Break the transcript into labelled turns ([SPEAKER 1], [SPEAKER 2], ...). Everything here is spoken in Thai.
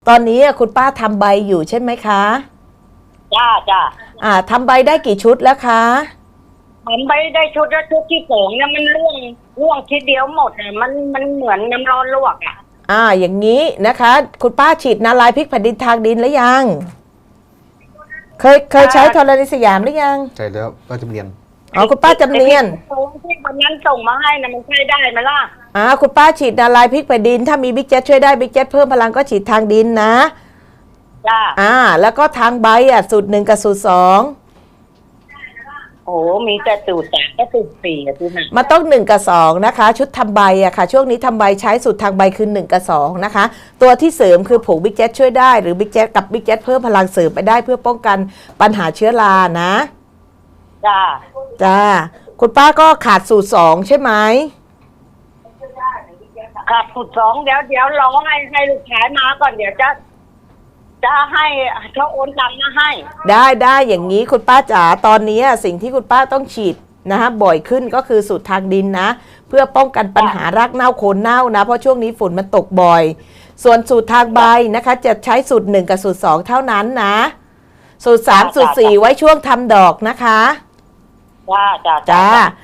[SPEAKER 1] ตอนนี้คุณป้าทำใบอยู่ใช่ไหมคะ
[SPEAKER 2] จ้า
[SPEAKER 1] ทำใบได้กี่ชุดแล้วคะ
[SPEAKER 2] ผมไปได้ชุดแล้วชุดที่สองเนี่ยมันร่วงทีเดียวหมดอ่ะมันเหมือนน้ำร้อนลวกอ่ะ
[SPEAKER 1] อย่างนี้นะคะ คุณป้าฉีดนาลายพริกแผ่นดินทางดินหรือยัง เคยใช้ธรณีสยามหรือยัง
[SPEAKER 3] ใช่แล้วก็จะเรียน
[SPEAKER 1] คุณป้าจำเนียน
[SPEAKER 2] ที่วันนั้นส่งมาให้นะมันใช้ได้ไหมล่ะ
[SPEAKER 1] คุณป้าฉีดนาลายพริกแผ่นดินถ้ามีบิ๊กแจ๊ดช่วยได้บิ๊กแจ๊ดเพิ่มพลังก็ฉีดทางดินนะ
[SPEAKER 2] จ้า
[SPEAKER 1] แล้วก็ทางใบสูตร 1กับสูตร 2
[SPEAKER 2] โอ้มีแต่สูตร3ก็สูตร4อ่ะพี่นะ
[SPEAKER 1] มันต้อง1กับ2นะคะชุดทำใบค่ะช่วงนี้ทำใบใช้สูตรทางใบคือ1กับ2นะคะตัวที่เสริมคือผงบิ๊กแจ๊ดช่วยได้หรือบิ๊กแจ๊ดกับบิ๊กแจ๊ดเพิ่มพลังเสริมไปได้เพื่อป้องกันปัญหาเชื้อรานะ
[SPEAKER 2] จ้า
[SPEAKER 1] คุณป้าก็ขาดสูตร2ใช่ไหม
[SPEAKER 2] ขาดสูตร2เดี๋ยวรอให้ลูกค้ามาก่อนเดี๋ยวจะให้เขาโอนตังค์มาให้
[SPEAKER 1] ได้อย่างนี้คุณป้าจ๋าตอนนี้สิ่งที่คุณป้าต้องฉีดนะคะบ่อยขึ้นก็คือสูตรทางดินนะเพื่อป้องกันปัญหารากเน่าโคนเน่านะเพราะช่วงนี้ฝนมันตกบ่อยส่วนสูตรทางใบนะคะจะใช้สูตร1กับสูตร2เท่านั้นนะสูตร3สูตร4ไว้ช่วงทำดอกนะคะ
[SPEAKER 2] จ้า